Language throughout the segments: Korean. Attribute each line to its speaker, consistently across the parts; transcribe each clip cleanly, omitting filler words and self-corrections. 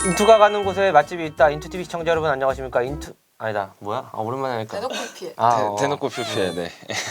Speaker 1: 인투가 가는 곳에 맛집이 있다. 인투TV 시청자 여러분 안녕하십니까? 인투 아니다 뭐야? 오랜만에 하니까
Speaker 2: 대놓고 피해.
Speaker 3: 대놓고 표피해. 네.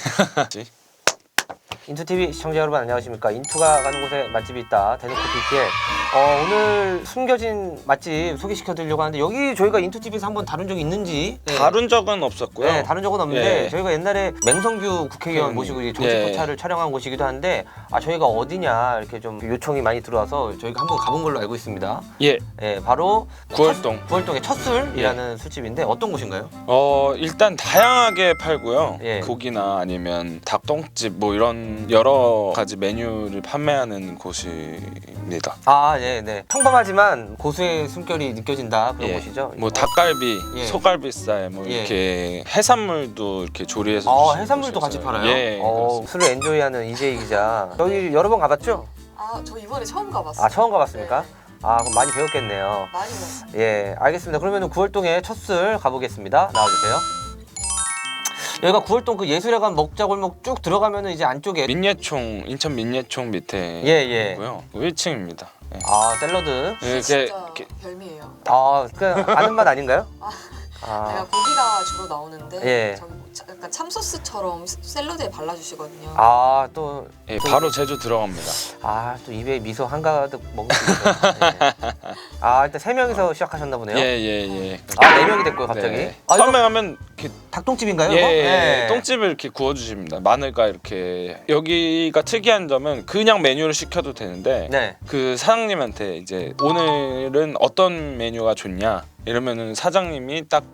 Speaker 1: 인투TV 시청자 여러분 안녕하십니까? 인투가 가는 곳에 맛집이 있다. 대놓고 BPL. 오늘 숨겨진 맛집 소개시켜드리려고 하는데 여기 저희가 인투TV에서 한번 다룬 적이 있는지
Speaker 3: 다룬 적은 없었고요.
Speaker 1: 네, 다룬 적은 없는데
Speaker 3: 예.
Speaker 1: 저희가 옛날에 맹성규 국회의원 모시고 이제 정치포차를 촬영한 곳이기도 한데 저희가 어디냐 이렇게 좀 요청이 많이 들어와서 저희가 한번 가본 걸로 알고 있습니다.
Speaker 3: 예.
Speaker 1: 예, 바로
Speaker 3: 구월동.
Speaker 1: 구월동의 첫술이라는 술집인데 어떤 곳인가요?
Speaker 3: 일단 다양하게 팔고요.
Speaker 1: 예.
Speaker 3: 고기나 아니면 닭똥집 뭐 이런 여러 가지 메뉴를 판매하는 곳입니다.
Speaker 1: 네. 평범하지만 고수의 숨결이 느껴진다 그런 곳이죠.
Speaker 3: 뭐 닭갈비,
Speaker 1: 예.
Speaker 3: 소갈비살 뭐
Speaker 1: 예.
Speaker 3: 이렇게 해산물도 이렇게 조리해서 주시는
Speaker 1: 해산물도 같이
Speaker 3: 곳이었어요.
Speaker 1: 팔아요?
Speaker 3: 예. 그렇습니다.
Speaker 1: 술을 엔조이하는 이재희 기자. 여기 여러 번 가봤죠?
Speaker 2: 저 이번에 처음 가봤어요.
Speaker 1: 처음 가봤습니까?
Speaker 2: 네.
Speaker 1: 그럼 많이 배웠겠네요.
Speaker 2: 많이 먹었어요.
Speaker 1: 예, 알겠습니다. 그러면 구월동의 첫술 가보겠습니다. 나와주세요. 여기가 구월동 그 예술회관 먹자골목 쭉 들어가면은 이제 안쪽에
Speaker 3: 민예총, 인천 민예총 밑에
Speaker 1: 예.
Speaker 3: 있고요. 1층입니다. 예.
Speaker 1: 샐러드.
Speaker 3: 이렇게
Speaker 2: 진짜 별미예요.
Speaker 1: 그 아는 맛 아닌가요?
Speaker 2: 내가 고기가 주로 나오는데
Speaker 1: 예.
Speaker 2: 저기 뭐 약간 참소스처럼 샐러드에 발라주시거든요.
Speaker 1: 또
Speaker 3: 예, 바로 제주 들어갑니다.
Speaker 1: 또 입에 미소 한가득 먹을 수 있어요. 일단 3명이서 시작하셨나 보네요.
Speaker 3: 예.
Speaker 1: 4명이 됐고요, 갑자기.
Speaker 3: 네.
Speaker 1: 이거
Speaker 3: 처음에 가면 이렇게
Speaker 1: 닭똥집인가요?
Speaker 3: 예,
Speaker 1: 이거? 네.
Speaker 3: 똥집을 이렇게 구워주십니다. 마늘과 이렇게 여기가 특이한 점은 그냥 메뉴를 시켜도 되는데
Speaker 1: 네.
Speaker 3: 그 사장님한테 이제 오늘은 어떤 메뉴가 좋냐 이러면은 사장님이 딱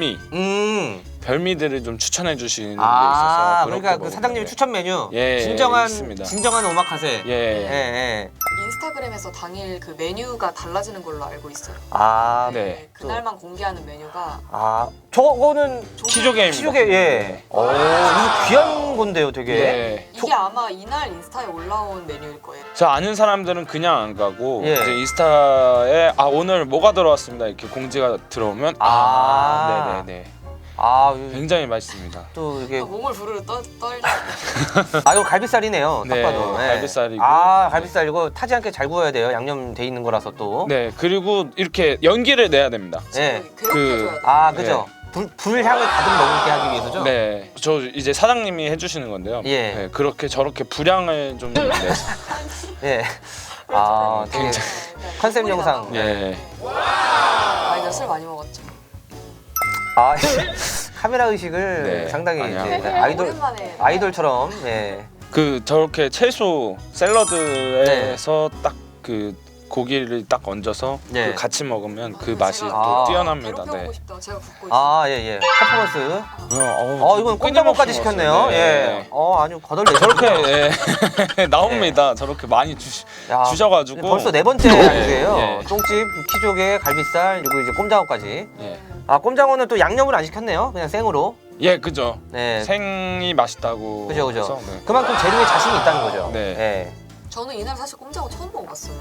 Speaker 3: 별미들을 좀 추천해 주시는 게 있어서
Speaker 1: 그러니까 그 사장님의 추천 메뉴.
Speaker 3: 예, 있습니다.
Speaker 1: 진정한 오마카세.
Speaker 3: 예.
Speaker 2: 인스타그램에서 당일 그 메뉴가 달라지는 걸로 알고 있어요.
Speaker 3: 네.
Speaker 2: 그날만 공개하는 메뉴가
Speaker 1: 저거는
Speaker 3: 키조개입니다.
Speaker 1: 키조개. 예. 이거 귀한 건데요, 되게.
Speaker 3: 네.
Speaker 2: 이게 아마 이날 인스타에 올라온 메뉴일 거예요.
Speaker 3: 저 아는 사람들은 그냥 안 가고
Speaker 1: 예.
Speaker 3: 이제 인스타에 오늘 뭐가 들어왔습니다 이렇게 공지가 들어오면 네네네. 굉장히 맛있습니다.
Speaker 1: 또 이게
Speaker 2: 몸을 부르르 떨리고.
Speaker 1: 이거 갈비살이네요. 딱
Speaker 3: 네,
Speaker 1: 봐도.
Speaker 3: 갈비살이고.
Speaker 1: 갈비살이고 타지 않게 잘 구워야 돼요. 양념 돼 있는 거라서 또.
Speaker 3: 네, 그리고 이렇게 연기를 내야 됩니다.
Speaker 1: 네.
Speaker 2: 괴롭혀줘야 돼.
Speaker 1: 그죠. 불향을 가득 머금게 하기 위해서죠.
Speaker 3: 네, 저 이제 사장님이 해주시는 건데요.
Speaker 1: 예.
Speaker 3: 네, 그렇게 저렇게 불향을 좀 내서.
Speaker 1: 예. 되게 컨셉 영상.
Speaker 3: 예.
Speaker 2: 이제 술 많이 먹었죠.
Speaker 1: 카메라 의식을
Speaker 3: 네,
Speaker 1: 상당히
Speaker 3: 아니야.
Speaker 1: 이제
Speaker 2: 오랜만에.
Speaker 1: 아이돌처럼. 예.
Speaker 3: 저렇게 채소 샐러드에서 딱 그 고기를 딱 얹어서
Speaker 1: 네.
Speaker 3: 같이 먹으면 그 맛이
Speaker 2: 제가
Speaker 3: 또 뛰어납니다.
Speaker 2: 괴롭혀보고
Speaker 3: 네.
Speaker 2: 싶다. 제가 붓고 있어요.
Speaker 1: 예. 퍼포먼스. 이건
Speaker 3: 끊임없이
Speaker 1: 꼼짝없까지 시켰네요.
Speaker 3: 먹었어요.
Speaker 1: 예.
Speaker 3: 네.
Speaker 1: 아주 거덜내.
Speaker 3: 저렇게 나옵니다. 저렇게 많이 주셔가지고
Speaker 1: 벌써 4번째
Speaker 3: 네,
Speaker 1: 안주예요.
Speaker 3: 예.
Speaker 1: 똥집, 키조개, 갈비살, 그리고 이제 꼼장어까지.
Speaker 3: 예.
Speaker 1: 꼼장어는 또 양념을 안 시켰네요. 그냥 생으로.
Speaker 3: 예, 그죠.
Speaker 1: 네.
Speaker 3: 생이 맛있다고.
Speaker 1: 그죠.
Speaker 3: 해서, 네.
Speaker 1: 그만큼 재료에 자신이 있다는 거죠.
Speaker 3: 네.
Speaker 1: 예.
Speaker 2: 저는 이날 사실 꼼장어 처음 먹어봤어요.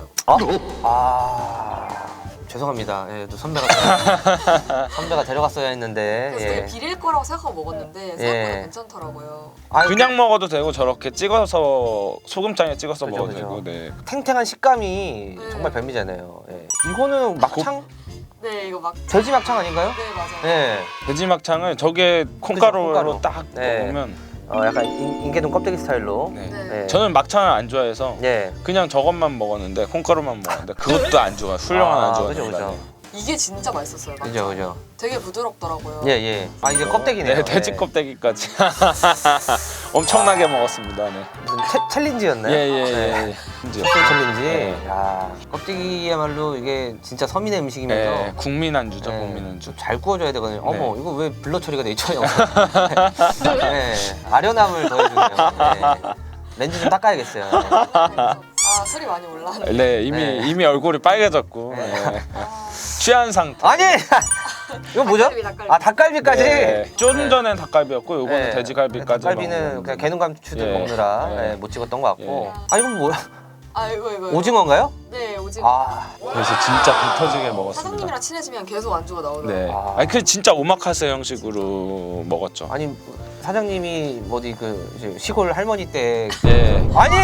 Speaker 1: 죄송합니다. 예, 또 선배가 데려갔어야 했는데.
Speaker 2: 그래서 되게 비릴 거라고 생각하고 먹었는데 생각보다 괜찮더라고요.
Speaker 3: 그냥 먹어도 되고 저렇게 찍어서 소금장에 찍어서
Speaker 1: 그죠,
Speaker 3: 먹어도
Speaker 1: 그죠.
Speaker 3: 되고. 네.
Speaker 1: 탱탱한 식감이 정말 별미잖아요. 예. 이거는 막창?
Speaker 2: 네, 이거 막.
Speaker 1: 돼지 막창 아닌가요?
Speaker 2: 네, 맞아요.
Speaker 1: 예.
Speaker 3: 돼지 막창을 저게 콩가루로
Speaker 1: 콩가루.
Speaker 3: 딱
Speaker 1: 네.
Speaker 3: 먹으면.
Speaker 1: 약간 인계동 껍데기 스타일로.
Speaker 3: 네.
Speaker 2: 네.
Speaker 1: 예.
Speaker 3: 저는 막창을 안 좋아해서
Speaker 1: 예.
Speaker 3: 그냥 저것만 먹었는데 콩가루만 먹었는데 그것도 안주가 훌륭한 안주가
Speaker 1: 그죠,
Speaker 3: 됩니다.
Speaker 1: 그죠.
Speaker 2: 이게 진짜 맛있었어요.
Speaker 1: 그죠.
Speaker 2: 되게 부드럽더라고요.
Speaker 1: 예. 이제 껍데기네요.
Speaker 3: 네, 돼지
Speaker 1: 예.
Speaker 3: 껍데기까지 엄청나게 먹었습니다. 네.
Speaker 1: 무슨 챌린지였나요?
Speaker 3: 예.
Speaker 1: 소스 챌린지.
Speaker 3: 네.
Speaker 1: 껍데기야말로 이게 진짜 서민의 음식이면서
Speaker 3: 네, 국민 안주죠,
Speaker 1: 네,
Speaker 3: 국민 안주.
Speaker 1: 잘 구워줘야 되거든요.
Speaker 3: 네.
Speaker 1: 어머, 이거 왜 블러 처리가 돼 있죠? 네, 아련함을 더해주네요. 네. 렌즈 좀 닦아야겠어요. 네.
Speaker 2: 술이 많이 올라왔는데.
Speaker 3: 네,
Speaker 1: 네.
Speaker 3: 이미 얼굴이 빨개졌고
Speaker 1: 네.
Speaker 3: 네. 취한 상태.
Speaker 1: 아니! 이거 뭐죠?
Speaker 2: 닭갈비.
Speaker 1: 닭갈비까지?
Speaker 3: 네. 좀 전엔 닭갈비였고 요거는
Speaker 1: 네.
Speaker 3: 돼지갈비까지.
Speaker 1: 닭갈비는
Speaker 3: 먹는
Speaker 1: 그냥 개눈감추들
Speaker 3: 예.
Speaker 1: 먹느라
Speaker 3: 예.
Speaker 1: 못 찍었던 것 같고.
Speaker 2: 예.
Speaker 1: 이건 뭐야?
Speaker 2: 이거.
Speaker 1: 오징어인가요?
Speaker 2: 네, 오징어.
Speaker 3: 그래서 진짜 배 터지게 먹었습니다.
Speaker 2: 사장님이랑 친해지면 계속 안주가 나오더라고요.
Speaker 3: 네. 아니 그 진짜 오마카세 형식으로 먹었죠.
Speaker 1: 아니 사장님이 어디 그 이제 시골 할머니 때
Speaker 3: 예.
Speaker 1: 아니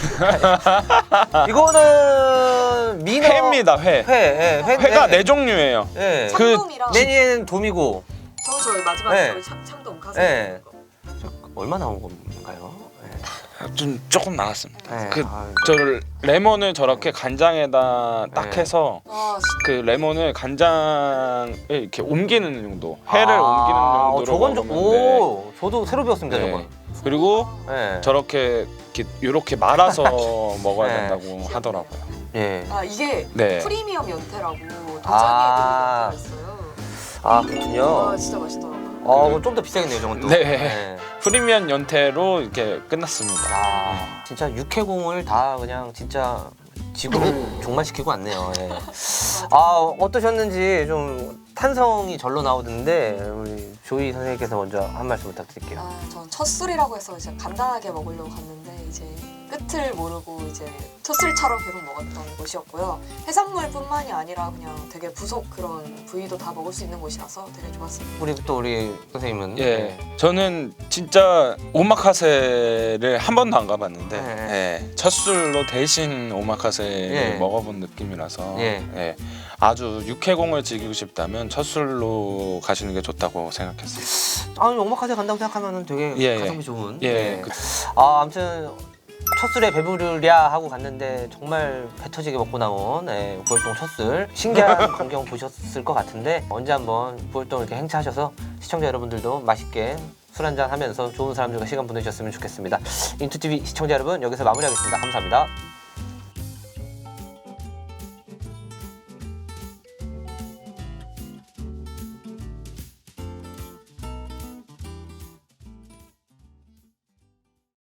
Speaker 1: 이거는 민어
Speaker 3: 회입니다. 회.
Speaker 1: 회, 예,
Speaker 3: 회가 네 종류예요.
Speaker 1: 예.
Speaker 3: 그
Speaker 2: 참돔이랑
Speaker 1: 메뉴에는 돔이고
Speaker 2: 저희 마지막에
Speaker 1: 네.
Speaker 2: 저희 참돔 가슴
Speaker 1: 네.
Speaker 2: 거.
Speaker 1: 얼마 나온 건가요?
Speaker 3: 좀 조금 나왔습니다.
Speaker 1: 네.
Speaker 3: 그
Speaker 1: 아유.
Speaker 3: 저를 레몬을 저렇게 간장에다 딱
Speaker 1: 네.
Speaker 3: 해서
Speaker 2: 아,
Speaker 3: 그 레몬을 간장에 이렇게 옮기는 용도, 회를 옮기는 용도로
Speaker 1: 저건 좀,
Speaker 3: 먹으면
Speaker 1: 오, 저도 새로 배웠습니다,
Speaker 3: 네.
Speaker 1: 저건.
Speaker 3: 그리고
Speaker 1: 네.
Speaker 3: 저렇게 이렇게 말아서 먹어야
Speaker 1: 네.
Speaker 3: 된다고 하더라고요.
Speaker 1: 예.
Speaker 2: 아 이게
Speaker 3: 네.
Speaker 2: 프리미엄 연태라고 도자기에
Speaker 1: 아.
Speaker 2: 들어가 있어요.
Speaker 1: 아, 그렇군요.
Speaker 2: 와 진짜 맛있더라고요.
Speaker 1: 그럼 좀 더 비싸겠네요, 저건 또.
Speaker 3: 네. 프리미엄 연태로 이렇게 끝났습니다.
Speaker 1: 아, 진짜 육해공을 다 그냥 진짜 지구를 종말시키고 왔네요. 예. 아, 어떠셨는지 좀 탄성이 절로 나오던데 우리 조이 선생님께서 먼저 한 말씀 부탁드릴게요.
Speaker 2: 아, 전 첫 술이라고 해서 이제 간단하게 먹으려고 갔는데 이제 끝을 모르고 이제 첫 술처럼 계속 먹었던 곳이었고요. 해산물뿐만이 아니라 그냥 되게 부속 그런 부위도 다 먹을 수 있는 곳이라서 되게 좋았습니다.
Speaker 1: 우리 선생님은
Speaker 3: 예, 저는 진짜 오마카세를 한 번도 안 가봤는데
Speaker 1: 네.
Speaker 3: 예, 첫 술로 대신 오마카세를
Speaker 1: 예.
Speaker 3: 먹어본 느낌이라서
Speaker 1: 예.
Speaker 3: 예, 아주 육해공을 즐기고 싶다면 첫 술로 가시는 게 좋다고 생각했습니다.
Speaker 1: 아, 오마카세 간다고 생각하면 되게
Speaker 3: 예,
Speaker 1: 가성비 좋은.
Speaker 3: 예, 그-
Speaker 1: 아, 아무튼 첫 술에 배부르랴 하고 갔는데 정말 배 터지게 먹고 나온 부월동 첫 술. 신기한 광경 보셨을 것 같은데 언제 한번 부월동 이렇게 행차하셔서 시청자 여러분들도 맛있게 술 한잔 하면서 좋은 사람들과 시간 보내주셨으면 좋겠습니다. 인투TV 시청자 여러분, 여기서 마무리하겠습니다. 감사합니다.